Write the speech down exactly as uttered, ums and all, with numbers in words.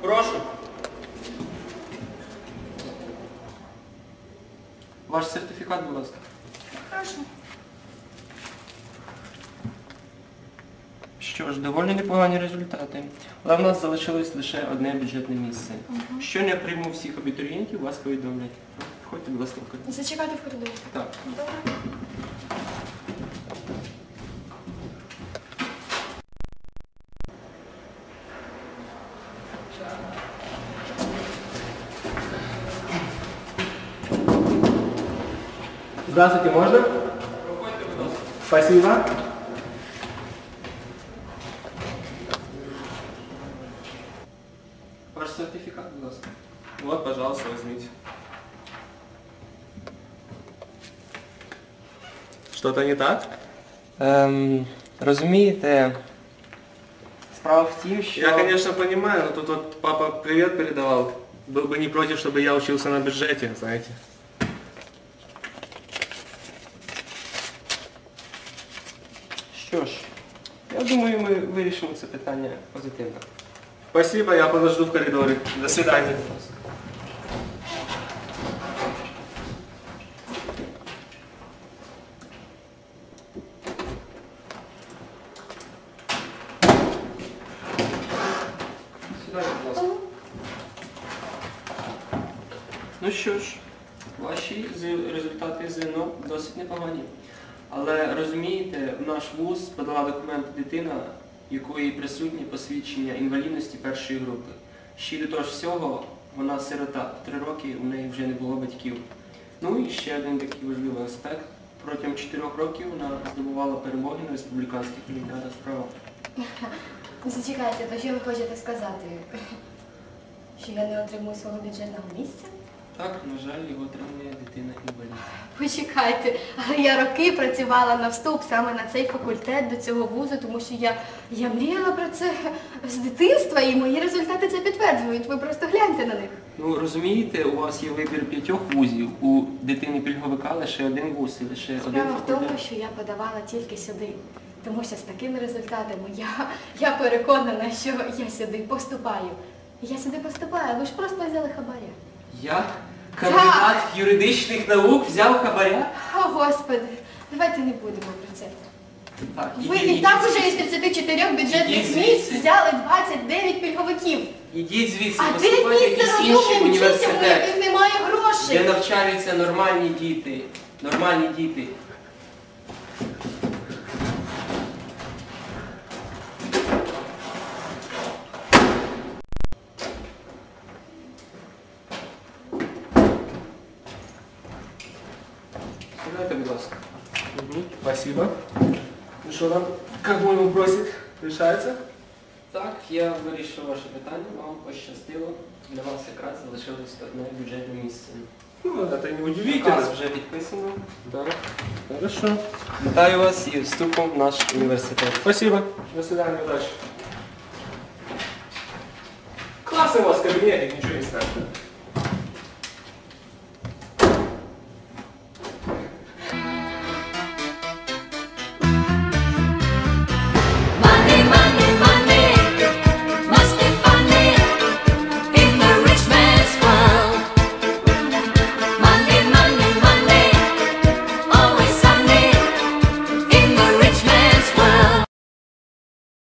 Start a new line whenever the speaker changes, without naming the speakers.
Прошу.
Ваш сертифікат, будь ласка.
Прошу.
Що ж, доволі непогані результати. Але в нас залишилось лише одне бюджетне місце.
Угу.
Щойно я прийму всіх абітурієнтів, вас повідомлять. Ходьте, будь ласка, в коридор.
Зачекайте в коридорі.
Так.
Добре.
Здравствуйте, можно?
Проходьте, будь ласка.
Спасибо.
Ваш сертифікат, будь ласка.
Вот, пожалуйста, возьмите. Что-то не так?
Ем, розумієте, справа в тім, що...
Я, конечно, понимаю, но тут вот папа привет передавал. Был бы не против, чтобы я учился на бюджете, знаете.
Що ж, я думаю, ми вирішимо це питання позитивно.
Спасибо, я подожду в коридоре. До свидания.
Сідайте, будь ласка. Ну що ж, ваші з- результати ЗНО досить непогані. Але розумієте, в наш вуз подала документ дитина, в якої присутні посвідчення інвалідності першої групи. Ще до того ж всього, вона сирота. Три роки у неї вже не було батьків. Ну і ще один такий важливий аспект. Протягом чотирьох років вона здобувала перемоги на республіканських олімпіадах справа.
Зачекайте, то що ви хочете сказати? Що я не отримую свого бюджетного місця?
Так, на жаль, його отримує дитина-інвалід.
Почекайте, але я роки працювала на вступ саме на цей факультет до цього вузу, тому що я, я мріяла про це з дитинства, і мої результати це підтверджують. Ви просто гляньте на них.
Ну, розумієте, у вас є вибір п'ятьох вузів, у дитини-пільговика лише один вуз і лише один
Справа в тому,
факультет.
що я подавала тільки сюди. Тому що з такими результатами я, я переконана, що я сюди поступаю. Я сюди поступаю, ви ж просто взяли хабаря.
Я, кандидат юридичних наук, взяв хабаря?
О, Господи, давайте не будемо про це.
Так,
Ви
ідіть-
і так
ідіть
уже із
звідси.
тридцяти чотирьох бюджетних
Ідіть
місць
звідси.
взяли двадцять дев'ять пільговиків.
Ідіть звідси,
А де
поступайте в
місце
якийсь інший
розумним дітям, у
університет,
яких немає
де
грошей?
навчаються нормальні діти. Нормальні діти. Сідайте, будь ласка.
Мгм, спасибо. Ну что там, как мой ему просит, решается?
Так, я вирішив ваше питання, вам пощастило. Для вас якраз залишилось одне бюджетне місце.
Ну, это не
Указ
удивительно.
вже підписано.
Да. Хорошо.
Вітаю вас і вступом в наш університет.
Спасибо. До свидания, удачи. Классный у вас кабинет, ничего не страшно.